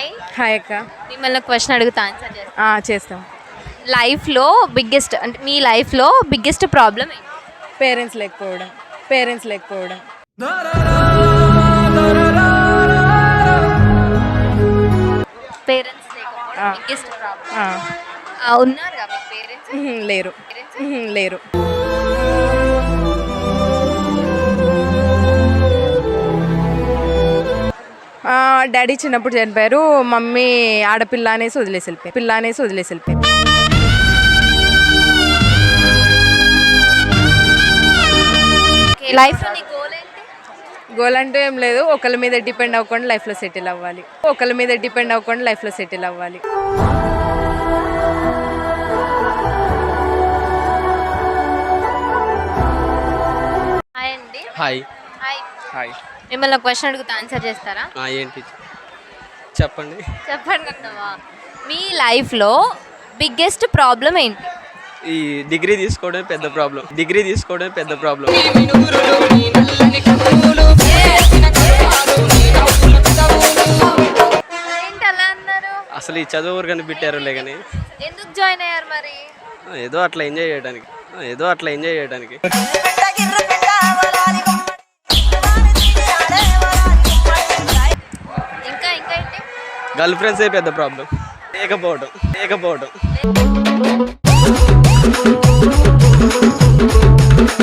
Hi. Hi అక్క. మిమ్మల్ని question అడుగుతా ఆన్సర్ చేస్తా. చేస్తాం. లైఫ్లో బిగ్గెస్ట్ అంటే మీ లైఫ్లో బిగ్గెస్ట్ ప్రాబ్లం ఏంటి? పేరెంట్స్ లేకపోవడం. పేరెంట్స్ లేకపోవడం బిగ్గెస్ట్ ప్రాబ్లం. ఉన్నారు కదా మీకు పేరెంట్స్? లేరు. డాడీ చిన్నప్పుడు చనిపోయారు. మమ్మీ ఆడపిల్ల అనేసి వదిలేసి వెళ్ళిపోయారు. లైఫ్లో నీ గోల్ ఏంటి? గోల్ అంటూ ఏం లేదు. ఒకళ్ళ మీద డిపెండ్ అవ్వకుండా లైఫ్లో సెటిల్ అవ్వాలి. హాయ్ అండి. హాయ్. హాయ్. మిమ్మల్ని క్వశ్చన్ అడుగుతా ఆన్సర్ చేస్తారా? ఏంటి చెప్పండి. అన్నవా మీ లైఫ్లో బిగ్గెస్ట్ ప్రాబ్లం ఏంటి? ఈ డిగ్రీ తీసుకోవడం పెద్ద ప్రాబ్లం. ఏంటి అలా అన్నారు? అసలు ఈ చదువు ఊరు కనిపెట్టారులే కానీ ఎందుకు జాయిన్ అయ్యారు మరి? ఏదో అట్లా ఎంజాయ్ చేయడానికి. ఇంకా ఏంటి? గర్ల్ ఫ్రెండ్సే పెద్ద ప్రాబ్లం. లేకపోవడం.